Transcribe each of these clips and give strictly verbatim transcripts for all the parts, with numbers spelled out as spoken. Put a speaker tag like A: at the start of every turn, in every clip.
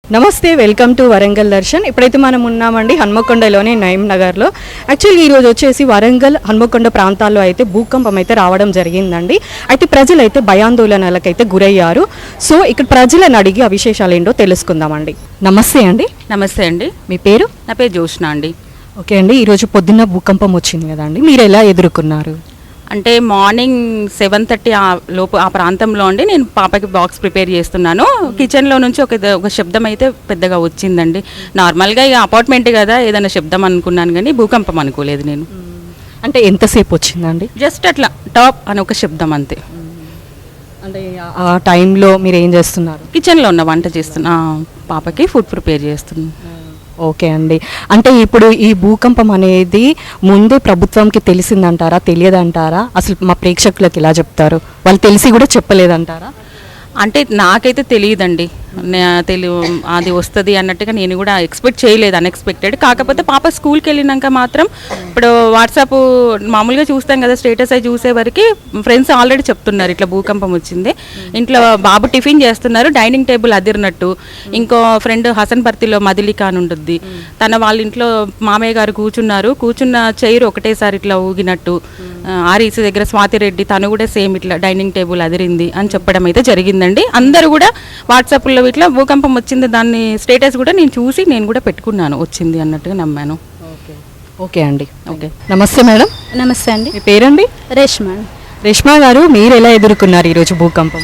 A: నమస్తే, welcome to Warangal Darshan. ఇప్పుడైతే మనం ఉన్నామండి హన్మకొండలోని నయీం నగర్లో. యాక్చువల్గా ఈరోజు వచ్చేసి వరంగల్ హన్మకొండ ప్రాంతాల్లో అయితే భూకంపం అయితే రావడం జరిగిందండి. అయితే ప్రజలు అయితే భయాందోళనలకైతే గురయ్యారు. సో ఇక్కడ ప్రజలను అడిగి ఆ విశేషాలు ఏంటో తెలుసుకుందామండి. నమస్తే అండి.
B: నమస్తే అండి.
A: మీ పేరు?
B: నా పేరు జోష్న అండి.
A: ఓకే అండి, ఈరోజు పొద్దున్న భూకంపం వచ్చింది కదండి, మీరు ఎలా ఎదుర్కొన్నారు?
B: అంటే మార్నింగ్ సెవెన్ థర్టీ ఆ లోపు ఆ ప్రాంతంలో అండి నేను పాపకి బాక్స్ ప్రిపేర్ చేస్తున్నాను. కిచెన్లో నుంచి ఒక ఒక శబ్దం అయితే పెద్దగా వచ్చిందండి. నార్మల్గా ఇక అపార్ట్మెంట్ కదా, ఏదైనా శబ్దం అనుకున్నాను కానీ భూకంపం అనుకోలేదు నేను.
A: అంటే ఎంతసేపు వచ్చిందండి?
B: జస్ట్ అట్లా టాప్ అని ఒక శబ్దం అంతే.
A: అంటే ఆ టైంలో మీరు ఏం చేస్తున్నారు?
B: కిచెన్లో ఉన్న వంట చేస్తున్నా, పాపకి ఫుడ్ ప్రిపేర్ చేస్తున్నాను.
A: ఓకే అండి, అంటే ఇప్పుడు ఈ భూకంపం అనేది ముందే ప్రభుత్వంకి తెలిసిందంటారా, తెలియదంటారా? అసలు మా ప్రేక్షకులకు ఎలా చెప్తారు? వాళ్ళు తెలిసి కూడా చెప్పలేదంటారా?
B: అంటే నాకైతే తెలియదండి, తెలి అది వస్తుంది అన్నట్టుగా నేను కూడా ఎక్స్పెక్ట్ చేయలేదు, అన్ఎక్స్పెక్టెడ్. కాకపోతే పాప స్కూల్కి వెళ్ళినాక మాత్రం ఇప్పుడు వాట్సాప్ మామూలుగా చూస్తాం కదా, స్టేటస్ అయి చూసే వరకు ఫ్రెండ్స్ ఆల్రెడీ చెప్తున్నారు ఇట్లా భూకంపం వచ్చింది, ఇంట్లో బాబు టిఫిన్ చేస్తున్నారు, డైనింగ్ టేబుల్ అదిరినట్టు. ఇంకో ఫ్రెండ్ హసన్ బర్తిలో మదిలిక అని ఉంటుంది, తన వాళ్ళ ఇంట్లో మామయ్య గారు కూర్చున్నారు, కూర్చున్న చైర్ ఒకటేసారి ఇట్లా ఊగినట్టు. ఆర్ఈసీ దగ్గర స్వాతిరెడ్డి తను కూడా సేమ్ ఇట్లా డైనింగ్ టేబుల్ అదిరింది అని చెప్పడం అయితే జరిగిందండి. అందరూ కూడా వాట్సాప్లో ఇట్లా భూకంపం వచ్చింది, దాన్ని స్టేటస్ కూడా నేను చూసి నేను కూడా పెట్టుకున్నాను, వచ్చింది అన్నట్టుగా నమ్మాను.
A: ఓకే ఓకే అండి.
B: ఓకే,
A: నమస్తే మేడం.
C: నమస్తే అండి.
A: మీ పేరండి?
C: రేష్మా.
A: రేష్మా గారు, మీరు ఎలా ఎదుర్కొన్నారు ఈరోజు భూకంపం?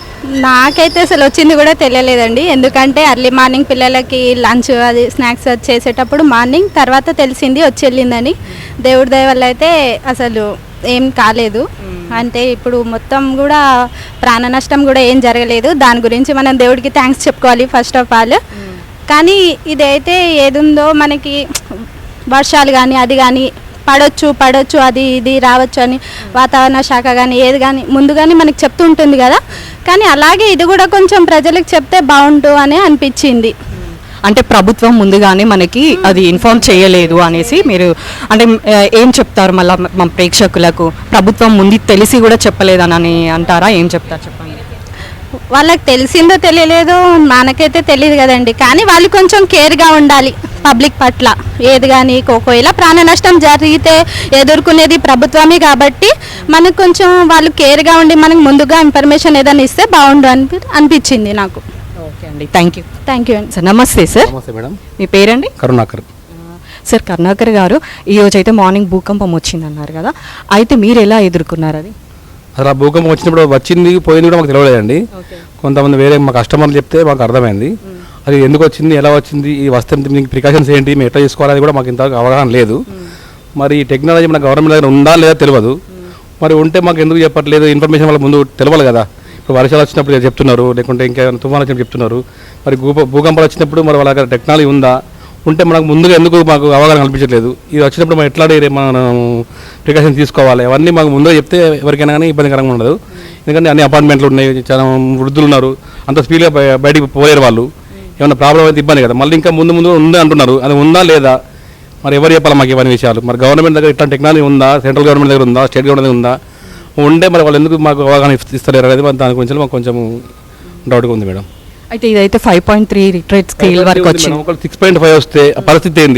C: నాకైతే అసలు వచ్చింది కూడా తెలియలేదండి, ఎందుకంటే అర్లీ మార్నింగ్ పిల్లలకి లంచ్ అది స్నాక్స్ అది చేసేటప్పుడు మార్నింగ్ తర్వాత తెలిసింది వచ్చి వెళ్ళిందని. దేవుడి దయ వల్ల అయితే అసలు ఏం కాలేదు. అంటే ఇప్పుడు మొత్తం కూడా ప్రాణ నష్టం కూడా ఏం జరగలేదు, దాని గురించి మనం దేవుడికి థ్యాంక్స్ చెప్పుకోవాలి ఫస్ట్ ఆఫ్ ఆల్. కానీ ఇదైతే ఏదుందో మనకి వర్షాలు కానీ అది కానీ పడవచ్చు పడవచ్చు అది ఇది రావచ్చు అని వాతావరణ శాఖ కానీ ఏది కానీ ముందుగానే మనకి చెప్తూ ఉంటుంది కదా, కానీ అలాగే ఇది కూడా కొంచెం ప్రజలకు చెప్తే బాగుండు అని అనిపించింది.
A: అంటే ప్రభుత్వం ముందుగానే మనకి అది ఇన్ఫార్మ్ చేయలేదు అనేసి మీరు అంటే ఏం చెప్తారు మళ్ళీ మా ప్రేక్షకులకు? ప్రభుత్వం ముందు తెలిసి కూడా చెప్పలేదని అంటారా? ఏం చెప్తారు చెప్పండి.
C: వాళ్ళకి తెలిసిందో తెలియలేదో మనకైతే తెలియదు కదండి, కానీ వాళ్ళు కొంచెం కేర్గా ఉండాలి పబ్లిక్ పట్ల. ఏది కానీ ఒకవేళ ప్రాణ నష్టం జరిగితే ఎదుర్కొనేది ప్రభుత్వమే కాబట్టి మనకు కొంచెం వాళ్ళు కేర్గా ఉండి మనకు ముందుగా ఇన్ఫర్మేషన్ ఏదైనా ఇస్తే బాగుండు అని అనిపించింది నాకు.
A: ఓకే అండి, థ్యాంక్ యూ.
C: థ్యాంక్ యూ అండి.
A: సార్ నమస్తే. సార్
D: నమస్తే మేడం.
A: మీ పేరండి?
D: కరుణాకర్.
A: సార్ కరుణాకర్ గారు, ఈరోజు అయితే మార్నింగ్ భూకంపం వచ్చింది అన్నారు కదా, అయితే మీరు ఎలా ఎదుర్కొన్నారు అది?
D: అసలు ఆ భూకంపం వచ్చినప్పుడు వచ్చింది పోయింది కూడా మాకు తెలియలేదండి. కొంతమంది వేరే మా కస్టమర్లు చెప్తే మాకు అర్థమైంది అది ఎందుకు వచ్చింది, ఎలా వచ్చింది, ఈ వస్తే మీకు ప్రికాషన్స్ ఏంటి, మేము ఎట్లా చేసుకోవాలని కూడా మాకు ఇంతవరకు అవగాహన లేదు. మరి ఈ టెక్నాలజీ మన గవర్నమెంట్ దగ్గర ఉందా లేదా తెలియదు. మరి ఉంటే మాకు ఎందుకు చెప్పట్లేదు, ఇన్ఫర్మేషన్ వాళ్ళ ముందు తెలియాలి కదా. ఇప్పుడు వర్షాలు వచ్చినప్పుడు చెప్తున్నారు, లేకుంటే ఇంకా తుఫాను వచ్చినప్పుడు చెప్తున్నారు. మరి భూ భూకంపాలు వచ్చినప్పుడు మరి వాళ్ళ దగ్గర టెక్నాలజీ ఉందా, ఉంటే మనకు ముందుగా ఎందుకు మాకు అవగాహన కల్పించట్లేదు. ఇది వచ్చినప్పుడు మనం ఎట్లా మనం ప్రికాషన్ తీసుకోవాలి, అవన్నీ మాకు ముందుగా చెప్తే ఎవరికైనా కానీ ఇబ్బందికరంగా ఉండదు. ఎందుకంటే అన్ని అపార్ట్మెంట్లు ఉన్నాయి, చాలా వృద్ధులు ఉన్నారు, అంత స్పీడ్గా బయటికి పోలేరు వాళ్ళు. ఏమైనా ప్రాబ్లం అయితే ఇబ్బంది కదా. మళ్ళీ ఇంకా ముందు ముందు ఉంది అంటున్నారు, అది ఉందా లేదా మరి ఎవరు చెప్పాలి మాకు ఇవన్నీ విషయాలు? మరి గవర్నమెంట్ దగ్గర ఇట్లా టెక్నాలజీ ఉందా, సెంట్రల్ గవర్నమెంట్ దగ్గర ఉందా, స్టేట్ గవర్నమెంట్ దగ్గర ఉందా, ఉంటే మరి వాళ్ళు ఎందుకు మాకు అవగాహన ఇస్తలేరు అనేది దాని గురించి మాకు కొంచెం డౌట్గా ఉంది మేడం.
A: అయితే ఇదైతే five point three Richter scale వరకు వచ్చింది,
D: ఒక సిక్స్ పాయింట్ ఫైవ్ వస్తే ఆ పరిస్థితి ఏంది,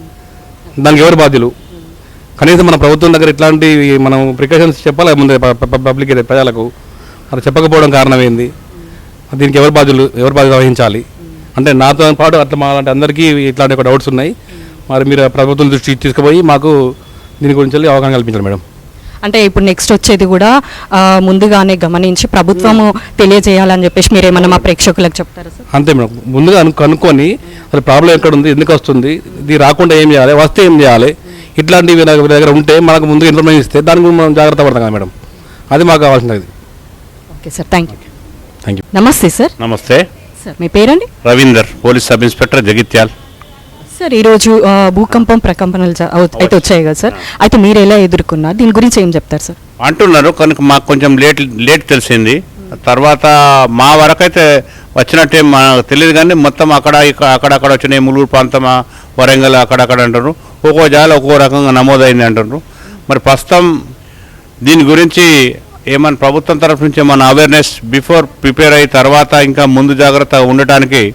D: దానికి ఎవరు బాధ్యులు? కనీసం మన ప్రభుత్వం దగ్గర ఇట్లాంటి మనం ప్రికాషన్స్ చెప్పాలి ముందే పబ్లిక్ ప్రజలకు. అది చెప్పకపోవడం కారణం ఏంది, దీనికి ఎవరు బాధ్యులు, ఎవరు బాధ్యత వహించాలి? అంటే నాతో పాటు అట్లా మా లాంటి అందరికీ ఇట్లాంటి ఒక డౌట్స్ ఉన్నాయి. మరి మీరు ప్రభుత్వం దృష్టి తీసుకుపోయి మాకు దీని గురించి అవగాహన కల్పించాలి మేడం.
A: అంటే ఇప్పుడు నెక్స్ట్ వచ్చేది కూడా ముందుగానే గమనించి ప్రభుత్వము తెలియజేయాలని చెప్పేసి మీరు ఏమన్నా మా ప్రేక్షకులకు చెప్తారా సార్?
D: అంతే మేడం, ముందుగా కనుక్కొని అసలు ప్రాబ్లం ఎక్కడ ఉంది, ఎందుకు వస్తుంది, ఇది రాకుండా ఏం చేయాలి, వస్తే ఏం చేయాలి, ఇట్లాంటివి దగ్గర ఉంటే మనకు ముందుగా ఇన్ఫర్మేషన్ ఇస్తే దాని గురించి మనం జాగ్రత్త పడతాం కదా మేడం. అది మాకు కావాల్సినది.
A: Okay sir, thank you.
D: Thank you.
A: నమస్తే సార్.
E: నమస్తే
A: సార్, మీ పేరండి?
E: Ravinder, police sub inspector, Jagtial.
A: Sir ఈరోజు భూకంపం ప్రకంపనలు అయితే వచ్చాయి కదా సార్, అయితే మీరు ఎలా ఎదుర్కొన్నారు, దీని గురించి ఏం చెప్తారు సార్?
E: అంటున్నారు కనుక మాకు కొంచెం లేట్ లేట్ తెలిసింది. తర్వాత మా వరకైతే వచ్చినట్టే మాకు తెలియదు, కానీ మొత్తం అక్కడ ఇక్కడ అక్కడక్కడ వచ్చినాయి, ములుగు ప్రాంతమా వరంగల్ అక్కడక్కడ అంటారు, ఒక్కో జాల ఒక్కో రకంగా నమోదైంది అంటారు. మరి ప్రస్తుతం దీని గురించి ఏమన్నా ప్రభుత్వం తరఫు నుంచి ఏమన్నా అవేర్నెస్ బిఫోర్ ప్రిపేర్ అయ్యి తర్వాత ఇంకా ముందు జాగ్రత్త ఉండటానికి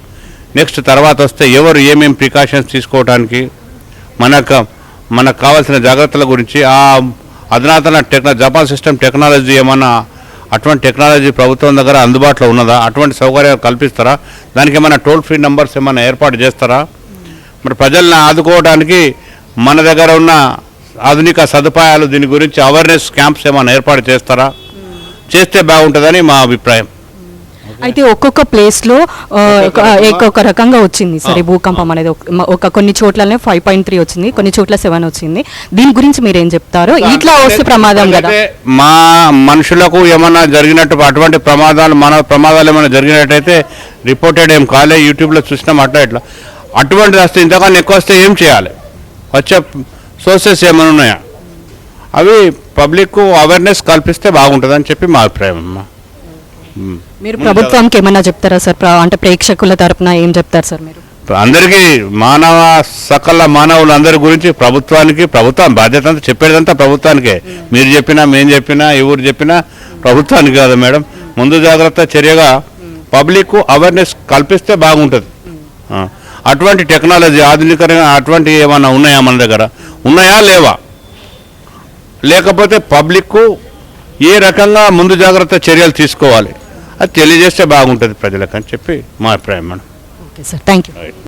E: నెక్స్ట్ తర్వాత వస్తే ఎవరు ఏమేమి ప్రికాషన్స్ తీసుకోవడానికి మనకు మనకు కావాల్సిన జాగ్రత్తల గురించి ఆ అధునాతన టెక్న జపాన్ సిస్టమ్ టెక్నాలజీ ఏమన్నా అటువంటి టెక్నాలజీ ప్రభుత్వం దగ్గర అందుబాటులో ఉన్నదా, అటువంటి సౌకర్యాలు కల్పిస్తారా, దానికి ఏమైనా టోల్ ఫ్రీ నెంబర్స్ ఏమైనా ఏర్పాటు చేస్తారా, మరి ప్రజల్ని ఆదుకోవడానికి మన దగ్గర ఉన్న ఆధునిక సదుపాయాలు దీని గురించి అవేర్నెస్ క్యాంప్స్ ఏమైనా ఏర్పాటు చేస్తారా, చేస్తే బాగుంటుందని మా అభిప్రాయం.
A: అయితే ఒక్కొక్క ప్లేస్లో ఒక్కొక్క రకంగా వచ్చింది సరే భూకంపం అనేది ఒక- ఒక కొన్ని చోట్లనే ఫైవ్ పాయింట్ త్రీ వచ్చింది, కొన్ని చోట్ల సెవెన్ వచ్చింది. దీని గురించి మీరు ఏం చెప్తారు? ఇట్లా వస్తే ప్రమాదం కదా.
E: అయితే మా మనుషులకు ఏమైనా జరిగినట్టు అటువంటి ప్రమాదాలు మన ప్రమాదాలు ఏమైనా జరిగినట్టయితే రిపోర్టెడ్ ఏం కాలే, యూట్యూబ్లో చూసినాం అట్లా ఇట్లా. అటువంటిది వస్తే ఇంతకన్నా ఎక్కువ వస్తే ఏం చేయాలి, వచ్చే సోర్సెస్ ఏమైనా ఉన్నాయా, అవి పబ్లిక్ అవేర్నెస్ కల్పిస్తే బాగుంటుందని చెప్పి మా అభిప్రాయం అమ్మా.
A: మీరు ప్రభుత్వానికి ఏమన్నా చెప్తారా సార్? ప్ర- అంటే ప్రేక్షకుల తరపున ఏం చెప్తారు సార్ మీరు?
E: అందరికీ మానవ సకల మానవులందరి గురించి ప్రభుత్వానికి, ప్రభుత్వం బాధ్యత అంతా చెప్పేదంతా ప్రభుత్వానికే. మీరు చెప్పినా మేము చెప్పినా ఎవరు చెప్పినా ప్రభుత్వానికి కాదు మేడం. ముందు జాగ్రత్త చర్యగా పబ్లిక్ అవేర్నెస్ కల్పిస్తే బాగుంటుంది. ఆ, అటువంటి టెక్నాలజీ ఆధునికంగా అటువంటి ఏమన్నా ఉన్నాయా మన దగ్గర, ఉన్నాయా లేవా, లేకపోతే పబ్లిక్ ఏ రకంగా ముందు జాగ్రత్త చర్యలు తీసుకోవాలి అది తెలియజేస్తే బాగుంటుంది ప్రజలకు అని చెప్పి మా అభిప్రాయం madam.
A: Okay sir, thank you.